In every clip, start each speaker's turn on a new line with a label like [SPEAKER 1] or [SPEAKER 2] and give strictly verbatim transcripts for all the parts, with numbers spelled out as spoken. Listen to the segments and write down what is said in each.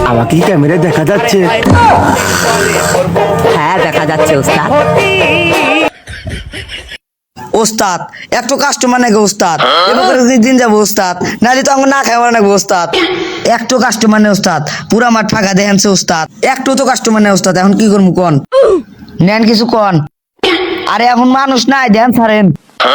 [SPEAKER 1] আমাকে কি ক্যামেরায় দেখা যাচ্ছে?
[SPEAKER 2] হ্যাঁ দেখা যাচ্ছে ওস্তাদ।
[SPEAKER 3] ওস্তাদ একটু কাস্টমার নাকি ওস্তাদ? এবার দিন যাবো ওস্তাদ, নাহলে তো আমার না খাওয়া নাকি ওস্তাদ। একটু কাস্টমার নেই ওস্তাদ, পুরা মাঠ ফাঁকা দেখেনছে ওস্তাদ। একটু তো কাস্টমার নেই ওস্তাদ, এখন কি করবো কন? নেন কিছু কন। আরে এখন মানুষ নাই, দেন ছাড়েন।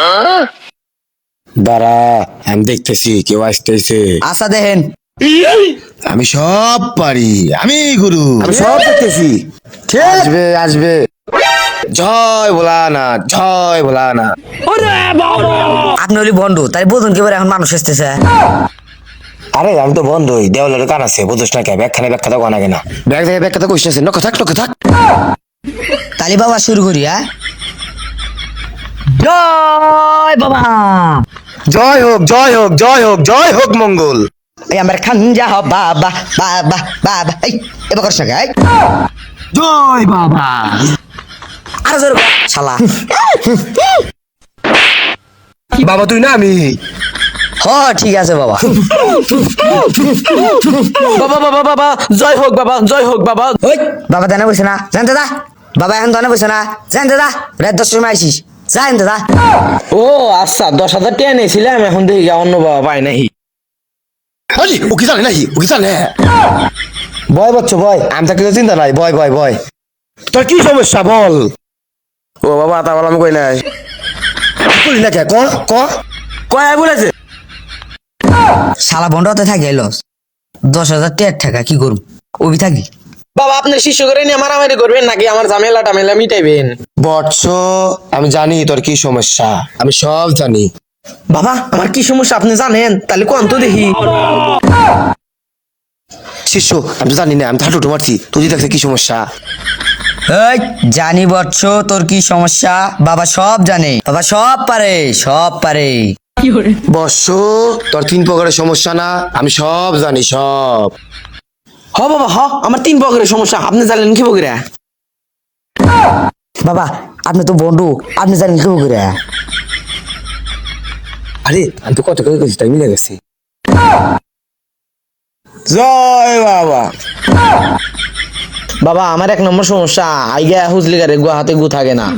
[SPEAKER 1] দাঁড়া, আমি দেখতেছি কেউ আসতেছে।
[SPEAKER 3] আশা দেখেন।
[SPEAKER 1] আমি সব পারি, আমি গুরু, আমি সব দেখতেছি। আসবে আসবে। জয় ভোলা না, জয় ভোলা না।
[SPEAKER 3] আপনি হলি বন্ধু, তাই বোঝুন কি এখন মানুষ এসতেছে।
[SPEAKER 1] আরে আমি তো বন্ধই, দেওয়ালের কান আছে, বুঝোস না কে? ব্যাখ্যানে ব্যাখ্যা তো কানা কেনা ব্যাগ থেকে ব্যাখ্যা তো কোশ্চেন আছে, নক থাক নক থাক।
[SPEAKER 3] তালি বাবা শুরু করি। হ্যাঁ, জয় বাবা।
[SPEAKER 1] জয় হোক জয় হোক জয় হোক জয় হোক মঙ্গল।
[SPEAKER 3] এই আমার খানজা হ বাবা বাবা বাবা। এই এবার করছ না,
[SPEAKER 1] জয় বাবা।
[SPEAKER 3] আরো জোর কর, শালা।
[SPEAKER 1] বাবা তুই না আমি।
[SPEAKER 3] হ ঠিক আছে বাবা।
[SPEAKER 2] বাবা বাবা বাবা জয় হোক বাবা, জয় হোক বাবা।
[SPEAKER 3] ওই বাবা দানা বসে না, জানতে দা। বাবা এখন দানা বসে না, জানতে দা। রাত দশটার সময় আইসিস, জানতে দা।
[SPEAKER 2] ও আচ্ছা, দশ হাজার টাকা নিয়েছিলাম, এখন দেখি অন্য বাবা পাই নাই।
[SPEAKER 1] আরে ও কি জানে নাকি? ও কি জানে? বয় বাচ্চা বয়, আমি থাকলে তো চিন্তা নাই। বয় বয় বয়, তোর কি সমস্যা বল? ও বাবা তা বল, আমি কই নাই। কই না কে? ক ক
[SPEAKER 2] কয় বলেছে?
[SPEAKER 3] শালা বন্ধতে থাকে এলো দশ হাজার টেট টাকা, কি করব? ওবি থাকি।
[SPEAKER 2] বাবা আপনি শিশু করে নিয়ে মারামারি করবেন নাকি আমার ঝামেলা টামেলা মিটাইবেন?
[SPEAKER 1] বৎস, আমি জানি তোর কি সমস্যা, আমি সব জানি।
[SPEAKER 2] বাবা আমার কি সমস্যা আপনি জানেন? তাহলে কোন তো দেখি।
[SPEAKER 1] শিষ্য, আমি তো জানি না, আমি তো হাঁটুটু মারছি। তুই দেখছে কি সমস্যা?
[SPEAKER 3] এই জানি বৎস তোর কি সমস্যা, বাবা সব জানে, বাবা সব পারে, সব পারে।
[SPEAKER 1] বৎস, তোর তিন প্রকারের সমস্যা না, আমি সব জানি সব।
[SPEAKER 2] হ বাবা হ, আমার তিন প্রকারের সমস্যা, আপনি জানেন কি বগিরা?
[SPEAKER 3] বাবা আপনি তো বন্ধু, আপনি জানেন কি করে?
[SPEAKER 1] আরে আমি তো কত করে গেছি, তাই মিলে গেছি। জয় বাবা।
[SPEAKER 2] বাবা আমার এক নম্বর সমস্যা, আইগা হুজলি গারে গুয়া হাতে গু থাকে না।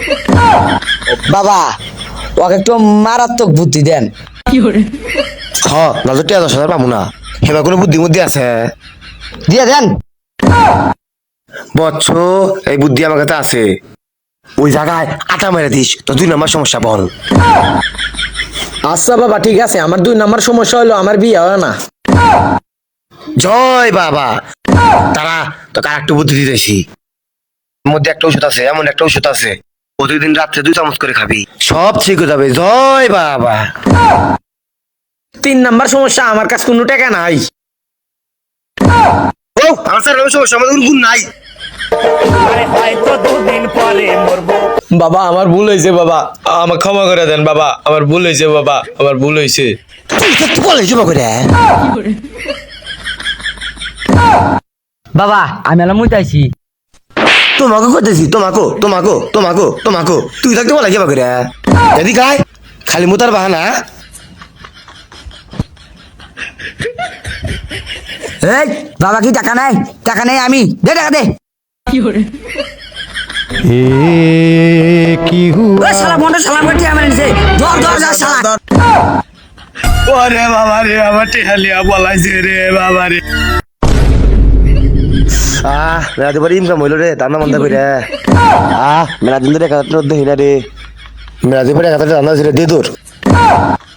[SPEAKER 3] বাবা ওকে একটু মারাত্মক বুদ্ধি দেন।
[SPEAKER 1] হ নজর টিয়া দশ হাজার পাবো না, হেবা কোনো বুদ্ধি বুদ্ধি আছে?
[SPEAKER 3] দিয়ে দেন।
[SPEAKER 1] বৎস, এই বুদ্ধি আমার কাছে আছে। ওই জায়গায় আটা মেরে দিস, তো দুই নম্বর সমস্যা বল।
[SPEAKER 2] আচ্ছা বাবা ঠিক আছে, আমার দুই নম্বর সমস্যা হলো আমার বিয়ে হয় না।
[SPEAKER 1] জয় বাবা। তারা তো কার একটু বুদ্ধি দিতেছি। এর মধ্যে একটা ওষুধ আছে, এমন একটা ওষুধ আছে, প্রতিদিন রাত্রে দুই চামচ করে খাবি, সব ঠিক হয়ে যাবে। জয় বাবা।
[SPEAKER 2] তিন নম্বর সমস্যা, আমার কাছে কোনো টাকা নাই।
[SPEAKER 1] ও আমার স্যার সমস্যা, আমাদের কোনো গুণ নাই।
[SPEAKER 2] বাবা আমার ভুল হয়েছে বাবা, আমার ক্ষমা করে দেন বাবা, আমার ভুল হয়েছে বাবা, আমার ভুল হয়েছে।
[SPEAKER 1] তুই তো বলে জমা করে।
[SPEAKER 3] বাবা আমি এলাম মুইতাইছি।
[SPEAKER 1] তোমাকে করতেছি, তোমাকে তোমাকে তোমাকে তোমাকে তুই থাকতে বলে জমা করে। এদিকে আয়, খালি মোতার বাহানা।
[SPEAKER 3] এই বাবা কি টাকা নাই? টাকা নেই, আমি দে টাকা দে। ওই শালা বন্ধ শালা বটি আমার নিছে, ধর ধর যা শালা।
[SPEAKER 1] ওরে বাবা রে, আমার টেহালিয়া বলাইছে রে বাবা রে। আহ মেলাতে পারি ইনকাম হইল রে, দানা বন্ধ করে। আহ মেলা দিন ধরে একাত্তর দেখি না রে, মেলাতে পারে একাত্তর দানা হয়েছে রে, দে তোর।